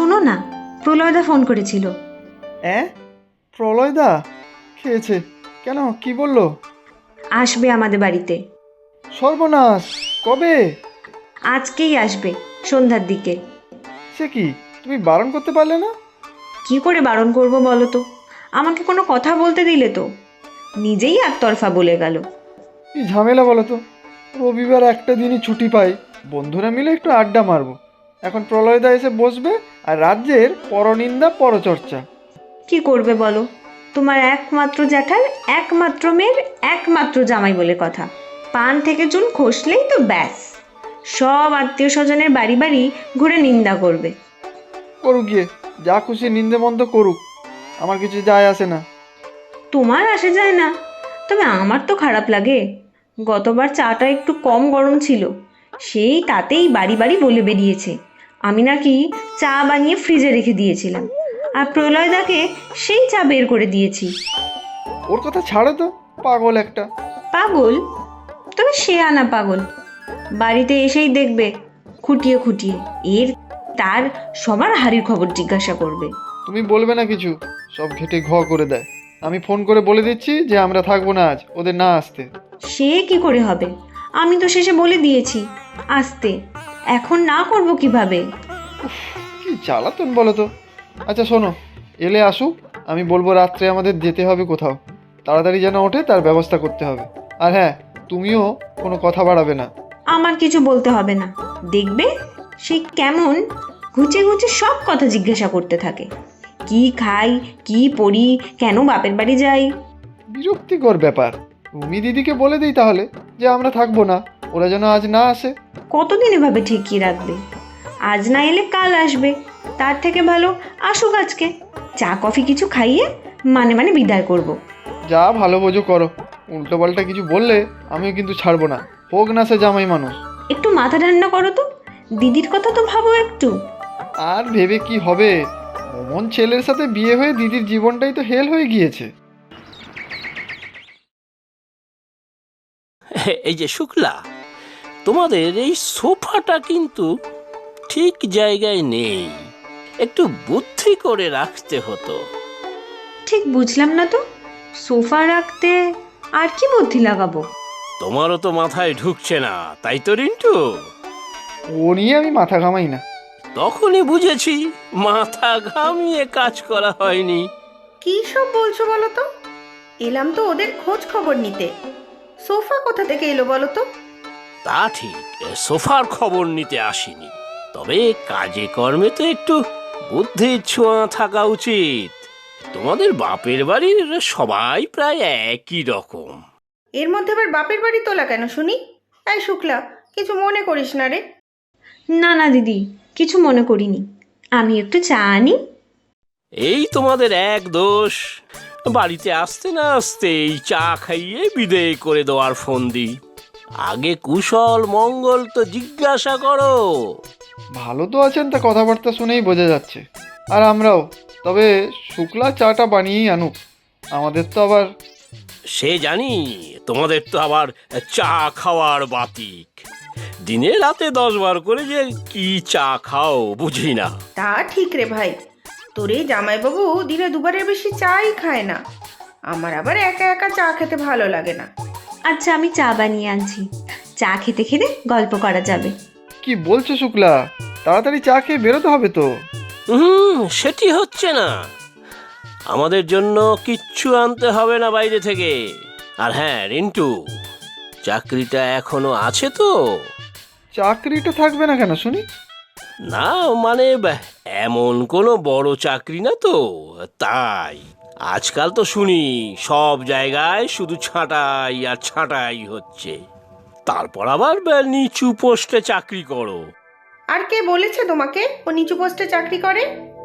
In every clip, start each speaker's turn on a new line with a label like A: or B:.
A: শোনো না, প্রলয়দা ফোন করেছিল।
B: হ্যাঁ, প্রলয়দা খেয়েছে কেন? কি বললো?
A: আসবে আমাদের বাড়িতে।
B: সর্বনাশ! কবে?
A: আজকেই আসবে, সন্ধ্যার দিকে।
B: সে কি, তুমি বারণ করতে পারলে না?
A: কি করে বারণ করব বলো তো? আমাকে কোনো কথা বলতে দিলে তো? নিজেই একতরফা বলে গেল।
B: কি ঝামেলা বলো তো। রবিবার একটা দিনই ছুটি পাই, বন্ধুরা মিলে একটু আড্ডা মারবো। এখন প্রলয়দা এসে বসবে আর রাজ্যের পরনিন্দা পরচর্চা।
A: কি করবে বলো? তোমার একমাত্র জ্যাঠার একমাত্র মেয়ের একমাত্র জামাই বলে কথা। পান থেকে চুন খসলেই তো ব্যাস, সব আত্মীয় স্বজনের বাড়ি বাড়ি ঘুরে নিন্দা করবে।
B: করুক গিয়ে, যা খুশি নিন্দে মন্দ করুক, আমার কিছু যায় আসে না।
A: তোমার আসে যায় না, তবে আমার তো খারাপ লাগে। গতবার চাটা একটু কম গরম ছিল, সেই তাতেই বাড়ি বাড়ি বলে বেরিয়েছে আমি নাকি চা বানিয়ে ফ্রিজে রেখে দিয়েছিলাম, আর প্রলয়দাকে সেই চা বের করে দিয়েছি।
B: ওর কথা ছাড়ো তো, পাগল একটা।
A: পাগল? তবে সে আনা পাগল। বাড়িতে এসেই দেখবে খুঁটিয়ে খুঁটিয়ে এর তার সবার হাড়ির খবর জিজ্ঞাসা করবে।
B: তুমি বলবে না কিছু, সব ঘেটে ঘ করে দেয়। আমি ফোন করে বলে দিচ্ছি যে আমরা থাকবো না আজ, ওদের না আসতে।
A: সে কি করে হবে? আমি তো শেষে বলে দিয়েছি আসতে, এখন না করব কিভাবে?
B: কি জ্বালাতন বলো তো। আচ্ছা শোনো, এলে আসুক, আমি বলবো রাত্রে আমাদের যেতে হবে কোথাও, তাড়াতাড়ি যেন ওঠে তার ব্যবস্থা করতে হবে। আর হ্যাঁ, তুমিও কোনো কথা বাড়াবে না।
A: আমার কিছু বলতে হবে না, দেখবে সে কেমন ঘুচে ঘুচে সব কথা জিজ্ঞাসা করতে থাকে। কি খাই, কি পড়ি, কেন বাপের বাড়ি যাই।
B: বিরক্তিকর ব্যাপার। রুমি দিদিকে বলে দিই তাহলে যে আমরা থাকবো না, ওরা যেন আজ না আসে।
A: কতদিন এভাবে ঠেকিয়ে রাখবে? আজ না এলে কাল আসবে, তার থেকে ভালো আসুক আজকে, চা কফি কিছু খাইয়ে মানে মানে বিদায় করব।
B: যা ভালো বোঝো করো, উল্টো পাল্টা কিছু বললে আমিও কিন্তু ছাড়বো না, হোক না সে জামাই মানুষ।
A: একটু মাথা ঠান্ডা করো তো, দিদির কথা তো ভাবো একটু।
B: আর ভেবে কি হবে, অমন ছেলের সাথে বিয়ে হয়ে দিদির জীবনটাই তো হেল হয়ে গিয়েছে।
C: এই যে শুক্লা, তোমাদের এই সোফাটা কিন্তু ঠিক জায়গায় নেই, একটু বুদ্ধি করে রাখতে হতো।
A: ঠিক বুঝলাম না তো, সোফা রাখতে আর কি বুদ্ধি লাগাবো?
C: তোমারও তো মাথায় ঢুকছে না, তাই তো রিন্টু?
B: ও নিয়ে আমি মাথা ঘামাই না।
C: তখনই বুঝেছি মাথা ঘামিয়ে কাজ করা হয়নি।
D: কী সব বলছো বলো তো? এলাম তো ওদের খোঁজ খবর নিতে। সোফা কোথা থেকে এলো বলো তো?
C: তা ঠিক, সোফার খবর নিতে আসিনি, তবে কাজে কর্মে তো একটু বুদ্ধির ছোঁয়া থাকা উচিত। তোমাদের বাপের বাড়ির সবাই প্রায় একই রকম।
D: এর মধ্যে আবার বাপের বাড়ি তোলা কেন শুনি? এই শুক্লা, কিছু মনে করিস না রে।
A: না না দিদি, কিছু মনে করিনি। আমি একটু চা আনি।
C: এই তোমাদের এক দোষ, বাড়িতে আসতে না আসতেই চা খাইয়ে বিদেয় করে দেওয়ার ফন্দি। আগে কুশল মঙ্গল তো জিজ্ঞাসা করো।
B: ভালো তো আছেন, তা কথাবার্তা শুনেই বোঝা যাচ্ছে। আর আমরাও, তবে শুক্লা চাটা বানিয়েই আনুক, আমাদের তো আবার।
C: সে জানি, তোমাদের তো আবার চা খাওয়ার বাতিক। দিনে রাতে 10 বার করে যে কি চা খাও বুঝি না।
D: তা ঠিক রে ভাই, তোর এই জামাইবাবু দিনে দুবারের বেশি চাই খায় না। আমার আবার একা একা চা খেতে ভালো লাগে না।
A: আচ্ছা আমি চা বানিয়ে আনছি, চা খেতে খেতে গল্প করা যাবে।
B: কি বলছো শুক্লা, তাড়াতাড়ি চা খেয়ে বেরোতে হবে তো।
C: সেটি হচ্ছে না, আমাদের জন্য কিচ্ছু আনতে হবে না বাইরে থেকে। আর হ্যাঁ রিন্টু, চাকরিটা এখনো আছে তো?
B: চাকরিটা থাকবে না কেন শুনি?
C: না মানে এমন কোনো বড় চাকরি না তো, তাই। আজকাল তো শুনি সব জায়গায় শুধু ছাঁটাই আর ছাঁটাই হচ্ছে, তারপর আবার নিচু পোস্টে চাকরি করো।
D: আর কে বলেছে তোমাকে ও নিচু পোস্টে চাকরি করে?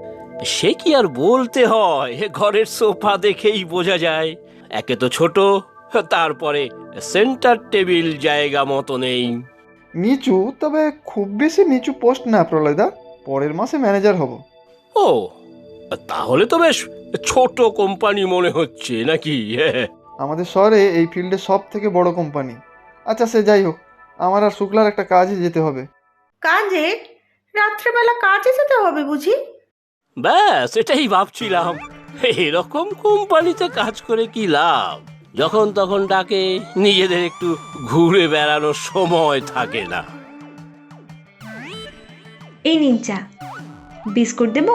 C: সে কি আর বলতে হয়, ঘরের সোফা দেখেই বোঝা যায়। একে তো ছোট, তারপরে সেন্টার টেবিল জায়গা মতো নেই।
B: নিচু, তবে খুব বেশি নিচু পোস্ট না প্রলয়দা, পরের মাসে ম্যানেজার হব।
C: ও, তাহলে তো বেশ ছোট কোম্পানি মনে হচ্ছে নাকি?
B: আমাদের শহরে এই ফিল্ডে সব থেকে বড় কোম্পানি। আচ্ছা সে যাই হোক, আমার আর শুক্লার একটা কাজে যেতে হবে।
D: কাজে? রাত্রেবেলা কাজে যেতে হবে বুঝি?
C: ব্যাস এটাই ভাবছিলাম, এরকম কোম্পানিতে কাজ করে কি লাভ, যখন তখন ডাকে, নিজেদের একটু ঘুরে বেড়ানোর সময় থাকে না।
A: এই নিন চা, বিস্কুট দেবো?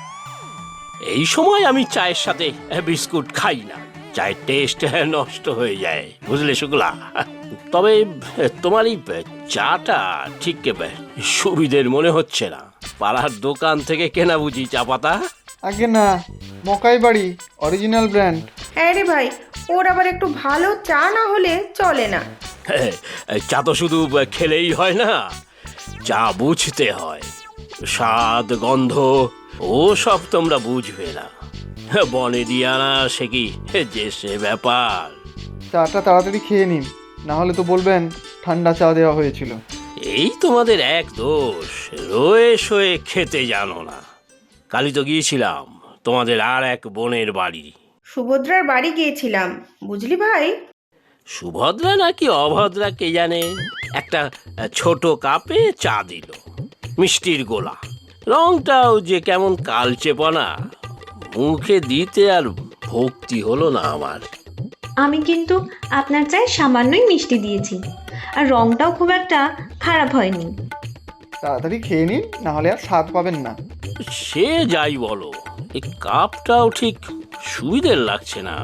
C: এই সময় আমি চায়ের সাথে বিস্কুট খাই না, চায়ের টেস্ট নষ্ট হয়ে যায়, বুঝলে শুক্লা। তবে তোমার এই চাটা ঠিক সুবিধের মনে হচ্ছে না। পাড়ার দোকান থেকে কেনা বুঝি চা পাতা?
B: আগে না, মকাই বাড়ি, অরিজিনাল ব্র্যান্ড।
D: হ্যাঁ রে ভাই, ওর আবার একটু ভালো চা না হলে চলে না।
C: চা তো শুধু খেলেই হয় না, চা বুঝতে হয়, স্বাদ গন্ধ ও সব তোমরা বুঝবে না। বনে দিয়ে আনা সে কি যে সে ব্যাপার।
B: চাটা তাড়াতাড়ি খেয়ে নিন, না হলে তো বলবেন ঠান্ডা চা দেওয়া হয়েছিল।
C: এই তোমাদের এক দোষ, রয়ে শোয়ে খেতে জানো না। কালই তো গিয়েছিলাম তোমাদের আর এক বোনের বাড়ি।
D: সুভদ্রার বাড়ি গিয়েছিলাম, বুঝলি ভাই।
C: সুভদ্রা নাকি অভদ্রা কে জানে, একটা ছোট কাপে চা দিল, মিষ্টির গোলা, রংটাও যে কেমন কালচেপনা, মুখে দিতে আর ভক্তি হলো না আমার।
A: আমি কিন্তু আপনার চায়ে সামান্যই মিষ্টি দিয়েছি, আর রংটাও খুব একটা খারাপ হয়নি।
B: তাড়াতাড়ি খেয়ে নিন, না হলে আর স্বাদ পাবেন না।
C: সে যাই বলো, এই কাপটাও ঠিক সুবিধের লাগছে না।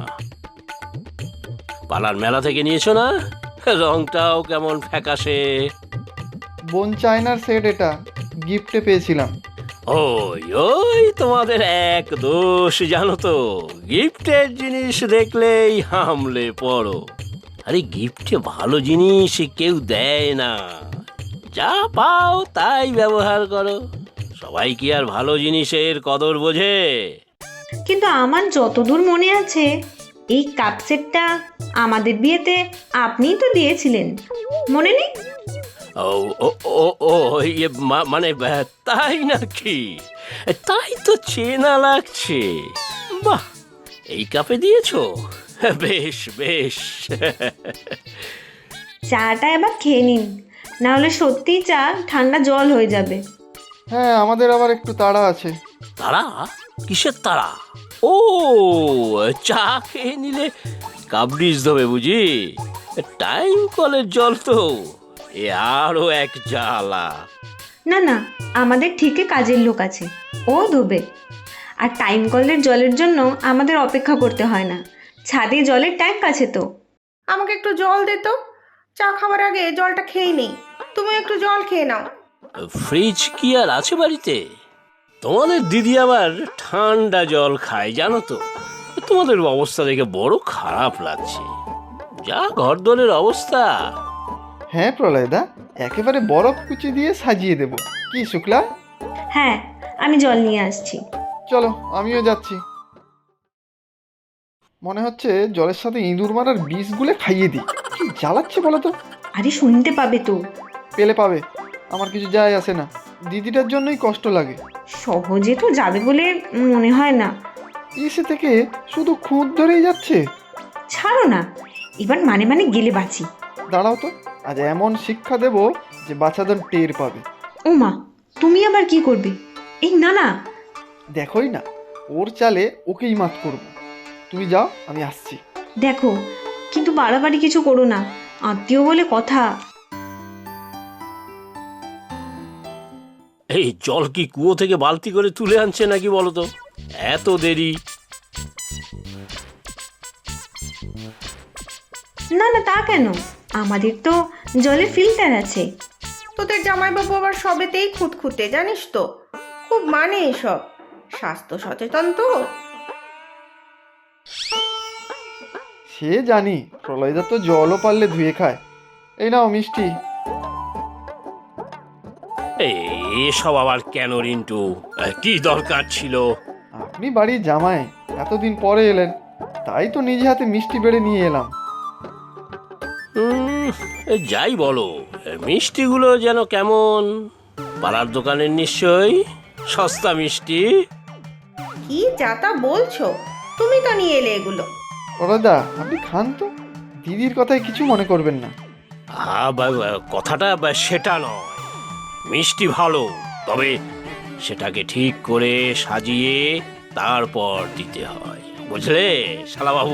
C: পালার মেলা থেকে নিয়েছো না? রংটাও কেমন ফ্যাকাশে।
B: বোন চায়নার সেট, এটা গিফটে পেয়েছিলাম।
C: ওই ওই তোমাদের এক দোষ জানো তো, গিফটের জিনিস দেখলেই হামলে পড়ো। আরে গিফটে ভালো জিনিস কেউ দেয় না, যা পাও তাই ব্যবহার করো। সবাই কি আর ভালো জিনিসের কদর বোঝে?
A: কিন্তু আমার যতদূর মনে আছে, এই কাপ সেটটা আমাদের বিয়েতে আপনিই তো দিয়েছিলেন, মনে নেই?
C: ও ও ও ও ইয়ে মানে তাই নাকি? তাই তো চেনা লাগছে। বাহ, এই কাপে দিয়েছো, বেশ বেশ।
A: চাটা এবার খেয়ে নিন, না হলে সত্যিই চা ঠান্ডা জল হয়ে যাবে।
B: হ্যাঁ, আমাদের আবার একটু তাড়া আছে।
C: তারা? কিসের তারা? ও, চা খেয়ে নিলে কাবরিজ দেবে বুঝি? টাইম কলের জল তো, এ আরো এক জ্বালা।
A: না না, আমাদের ঠিকই কাজের লোক আছে, ও ধোবে। আর টাইম কলের জলের জন্য আমাদের অপেক্ষা করতে হয় না, ছাদে জলের ট্যাঙ্ক আছে তো।
D: আমাকে একটু জল দে তো, চা খাবার আগে জলটা খেয়ে নেই। তুমি একটু জল খেয়ে নাও।
C: ফ্রিজ কি আর আছে বাড়িতে? তোমাদের দিদি আবার ঠান্ডা জল খায় জানো তো। তোমাদের অবস্থা দেখে বড় খারাপ লাগছে, যা ঘরদোরের অবস্থা।
B: হ্যাঁ প্রলয়দা, একেবারে বরফ কুচি দিয়ে সাজিয়ে দেব। কি শুক্লা?
A: হ্যাঁ, আমি জল নিয়ে আসছি।
B: চলো, আমিও যাচ্ছি। মনে হচ্ছে জলের সাথে ইঁদুর মারার বিষ গুলে খাইয়ে দিই। কি জ্বালাচ্ছে বলো তো?
A: আরে শুনতে পাবে তো।
B: পেলে পাবে, আমার কিছু যায় আসে না। দিদিটার জন্যই কষ্ট লাগে।
A: সহজে তো যাবে বলে মনে হয় না।
B: এসে থেকে শুধু খুঁত ধরেই যাচ্ছে।
A: ছাড়ো না, এবার মানে মানে গেলে বাঁচি।
B: দাঁড়াও তো, আজ এমন শিক্ষা দেব যে বাচ্চাদের টের পাবে।
A: ও মা, তুমি আবার কি করবে? এই না না।
B: দেখোই না, ওর চালে ওকেই মাত করব। তুমি যাও, আমি আসছি।
A: দেখো, কিন্তু বাড়াবাড়ি কিছু করো না, আত্মীয় বলে কথা।
C: এই জল কি কুয়ো থেকে বালতি করে তুলে আনছে নাকি বলো তো? এত দেরি।
A: না না, তা কেন, আমাদের তো জলের ফিল্টার আছে।
D: তোদের জামাইবাবু আবার সবেতেই খুঁতখুঁতে, জানিস তো, খুব মানে এসব, স্বাস্থ্য সচেতন তো।
B: সে জানি, প্রলয়দা তো জলও পারলে ধুয়ে খায়। এই নাও মিষ্টি।
C: এসব আবার কেন রিন্টু? কি দরকার ছিল?
B: আপনি বাড়ির জামাই, এতদিন পরে এলেন, তাই তো নিজে হাতে মিষ্টি বেড়ে নিয়ে এলাম।
C: যাই বলো, মিষ্টিগুলো যেন কেমন, পাড়ার দোকানের নিশ্চয়ই সস্তা মিষ্টি।
D: কি যাতা বলছো, তুমি তো নিয়ে এলে এগুলো।
B: প্রলয়দা, আপনি খান তো, দিদির কথায় কিছু মনে করবেন না।
C: কথাটা সেটা নয়, মিষ্টি ভালো, তবে সেটাকে ঠিক করে সাজিয়ে তারপর দিতে হয়, বুঝলে শালাবাবু?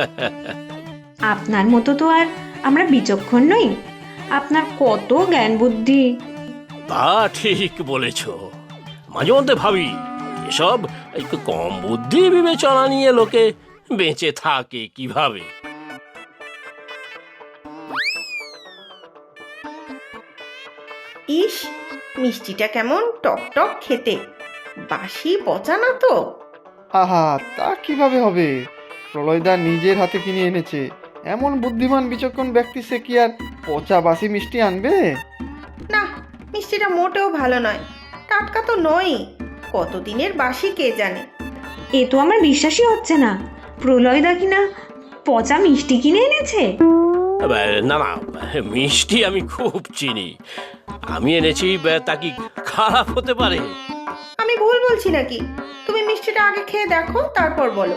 A: আপনার মতো তো আর আমরা বিচক্ষণ নই। আপনার কত জ্ঞান বুদ্ধি।
C: তা ঠিক বলেছ। মাঝে মধ্যে ভাবি এসব একটু কম বুদ্ধি বিবেচনা নিয়ে লোকে বেঁচে থাকে কিভাবে।
D: ইস, মিষ্টিটা কেমন টক টক খেতে, বাসি পচা না তো?
B: আহা, তা কিভাবে হবে? প্রলয়দা নিজের হাতে কিনে এনেছে। এমন বুদ্ধিমান বিচক্ষণ ব্যক্তি, সে কি আর পচা বাসি মিষ্টি আনবে?
D: না, মিষ্টিটা মোটেও ভালো নয়, টাটকা তো নয়, কতদিনের বাসি কে জানে।
A: এ তো আমার বিশ্বাসই হচ্ছে না। প্রলয়দা কিনা পচা মিষ্টি কিনে এনেছে।
C: না না, মিষ্টি আমি খুব চিনি। আমি এনেছি, তা কি খারাপ হতে পারে?
D: আমি ভুল বলছি নাকি? তুমি মিষ্টিটা আগে খেয়ে দেখো, তারপর বলো।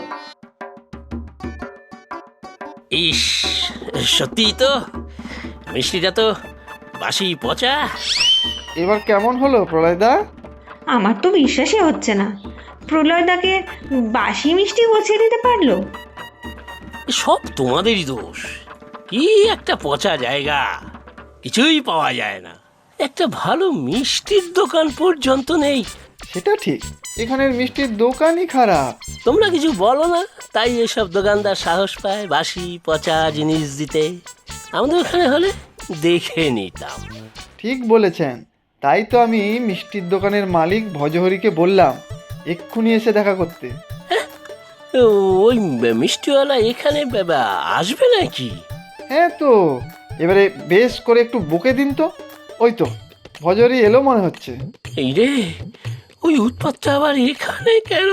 C: ইস, সত্যি তো মিষ্টিটা তো বাসি পচা।
B: এবার কেমন হলো প্রলয়দা?
A: আমার তো বিশ্বাসই হচ্ছে না। প্রলয়দাকে বাসি মিষ্টি পচিয়ে দিতে পারলো।
C: সব তোমাদেরই দোষ। কি একটা পচা জায়গা, কিছুই পাওয়া যায় না। একটা ভালো মিষ্টির দোকান পর্যন্ত নেই।
B: সেটা ঠিক, এখানের মিষ্টির দোকানই খারাপ।
C: তোমরা কিছু বলো না, তাই এসব দোকানদার সাহস পায় বাসি পচা জিনিস দিতে। আমাদের ওখানে হলে দেখে নিতাম।
B: ঠিক বলেছেন। তাই তো আমি মিষ্টির দোকানের মালিক ভজহরিকে বললাম এক্ষুনি এসে দেখা করতে।
C: ওই মিষ্টিওয়ালা এখানে আসবে নাকি?
B: হ্যাঁ তো, এবারে বেশ করে একটু বকে দিন তো। ওই তো ভজহরি এলো মনে হচ্ছে।
C: এই রে, ওই উৎপাতটা আবার এখানে কেন?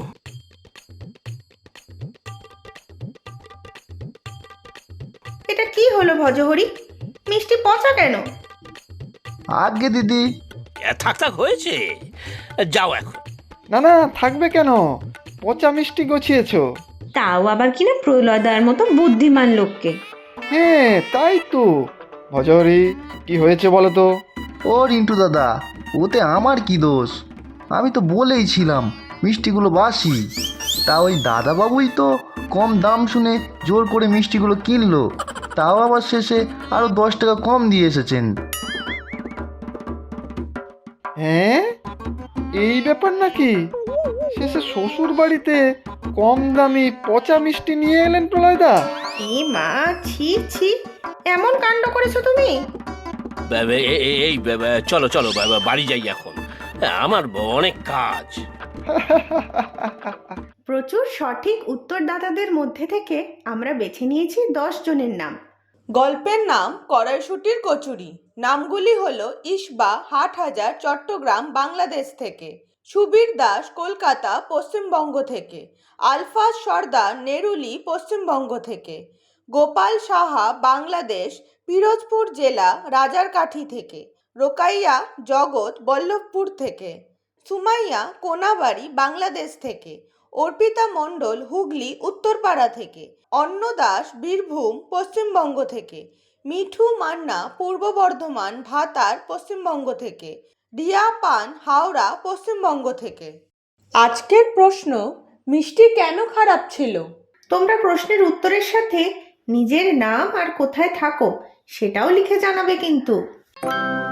D: এটা কি হলো ভজহরি, মিষ্টি পচা কেন?
E: আগে দিদি,
C: থাক থাক হয়েছে, যাও এখন।
B: না না, থাকবে কেন? পচা মিষ্টি গছিয়েছো।
A: তাও আবার কিনা প্রলয়দার মতো বুদ্ধিমান লোককে।
B: হ্যাঁ তাই তো। ভজহরি, কি হয়েছে বলো তো?
E: ও রিন্টু দাদা, ওতে আমার কি দোষ? আমি তো বলেই ছিলাম মিষ্টিগুলো বাসি। তা ওই দাদাবাবুই তো কম দাম শুনে জোর করে মিষ্টিগুলো কিনলো, তাও আবার শেষে আরও 10 টাকা কম দিয়ে এসেছেন।
B: হ্যাঁ, এই ব্যাপার নাকি? শেষে শ্বশুর বাড়িতে কম দামি পচা মিষ্টি নিয়ে এলেন প্রলয়দা?
D: এ মা, ছি ছি, এমন কাণ্ড করেছো তুমি?
C: এই চলো চলো, বাড়ি যাই এখন, আমার অনেক কাজ।
D: প্রচুর সঠিক উত্তরদাতাদের মধ্যে থেকে আমরা বেছে নিয়েছি 10 জনের নাম।
F: গল্পের নাম কড়াইশুঁটির কচুরি। নামগুলি হলো ইসবা হাটহাজার চট্টগ্রাম বাংলাদেশ থেকে, সুবীর দাস কলকাতা পশ্চিমবঙ্গ থেকে, আলফাজ সর্দার নেরুলি পশ্চিমবঙ্গ থেকে, গোপাল সাহা বাংলাদেশ পিরোজপুর জেলা রাজারকাঠি থেকে, রোকাইয়া জগৎ বল্লভপুর থেকে, সুমাইয়া কোনাবাড়ি বাংলাদেশ থেকে, অর্পিতা মণ্ডল হুগলি উত্তরপাড়া থেকে, অন্ন দাস বীরভূম পশ্চিমবঙ্গ থেকে, মিঠু মান্না পূর্ব বর্ধমান ভাতার পশ্চিমবঙ্গ থেকে, রিয়া পান হাওড়া পশ্চিমবঙ্গ থেকে। আজকের প্রশ্ন, মিষ্টি কেন খারাপ ছিল?
D: তোমরা প্রশ্নের উত্তরের সাথে নিজের নাম আর কোথায় থাকো সেটাও লিখে জানাবে কিন্তু।